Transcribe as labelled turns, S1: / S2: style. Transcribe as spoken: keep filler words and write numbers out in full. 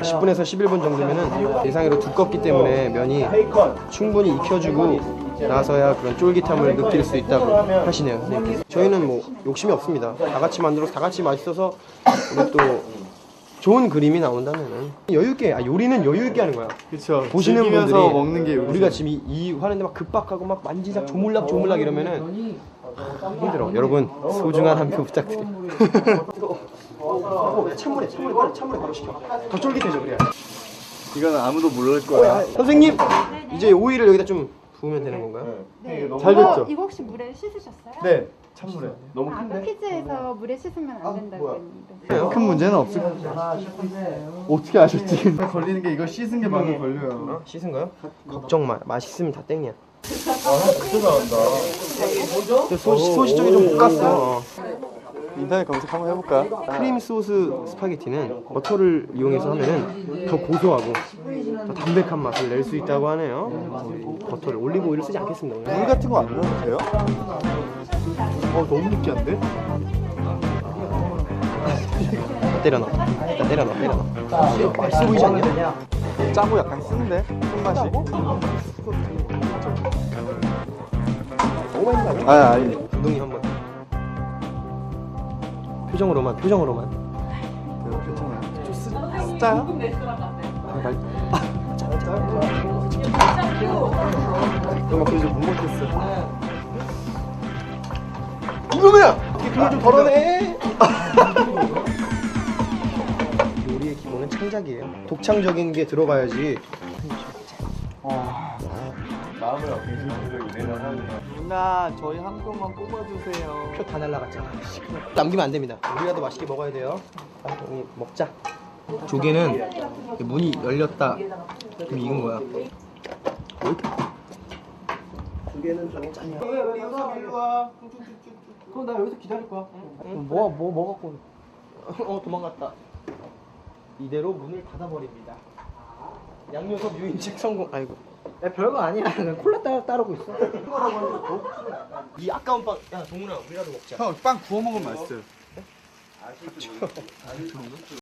S1: 십 분에서 십일 분 정도면은 예상외로 두껍기 때문에 면이 충분히 익혀주고 나서야 그런 쫄깃함을 느낄 수 있다고 하시네요, 선생님께서. 저희는 뭐 욕심이 없습니다. 다 같이 만들어서 다 같이 맛있어서 우리 또 좋은 그림이 나온다면은 여유 있게, 아 요리는 여유 있게 하는 거야.
S2: 그렇죠.
S1: 보시는 분들이
S2: 먹는 게
S1: 우리가 지금 이, 이 하는데 막 급박하고 막 만지작 조물락 조물락 이러면은 힘들어. 여러분 소중한 한 표 부탁드려요. 어, 찬물에 찬물에 빨리 찬물에 바로 식혀. 더 쫄깃해져 그래야.
S2: 이건 아무도 모를 거야.
S1: 선생님 이제 오이를 여기다 좀 부으면 되는 건가요?
S3: 네.
S2: 잘
S3: 이거,
S2: 됐죠?
S3: 이거 혹시 물에 씻으셨어요?
S2: 네. 찬물에. 너무
S3: 아, 아까 퀴즈에서 물에 씻으면 안 된다고 했는데.
S2: 큰 문제는 없을 거야. 어떻게 아셨지? 걸리는 게 이거 씻은 게 많이 걸려요.
S1: 어? 씻은 거요? 걱정 마. 맛있으면 다 땡이야.
S2: 아, 진짜 잘한다.
S1: 소, 소시 쪽에 좀 볶았어. 어.
S2: 인터넷 검색 한번 해볼까?
S1: 크림 소스 스파게티는 버터를 이용해서 하면은 더 고소하고 더 담백한 맛을 낼 수 있다고 하네요. 버터를 올리브 오일을 쓰지 않겠습니다. 오늘.
S2: 물 같은 거 안 넣어도 돼요? 어, 너무 느끼한데?
S1: 때려 넣어. 일단 때려 넣어. 때려 넣어. 맛있어 보이지 않냐?
S2: 짜고 약간 쓴데? 손맛이?
S1: 너무 많이 나죠?
S2: 아, 아니.
S1: 감독님 한번. 표정으로만, 표정으로만.
S2: 괜찮아요. 좀 쓰, 짜요? 말...
S1: 짜, 짜. 엄마 그래서 못 먹겠어. 이놈이야! 그걸 좀 덜어내! 요리의 기본은 창작이에요. 독창적인 게 들어가야지.
S2: 마음을 얻기 누나, 저희 한 병만 뽑아주세요.
S1: 표 다 날라갔잖아. 남기면 안 됩니다. 우리라도 맛있게 먹어야 돼요. 자, 우리 먹자. 조개는 문이 열렸다. 그럼 익은 거야. 왜 이렇게? 조개는 좀 짠이야. 왜 여기서 일로 와? 그럼 나 여기서 기다릴 거야. 응. 뭐, 뭐, 뭐 갖고? 어, 도망갔다. 이대로 문을 닫아버립니다. 양요섭 유인책 성공. 아이고. 야, 별거 아니야. 그냥 콜라 따, 따르고 있어. 이 아까운 빵. 야, 동훈아, 우리라도 먹자.
S2: 형, 빵 구워 먹으면 맛있어요.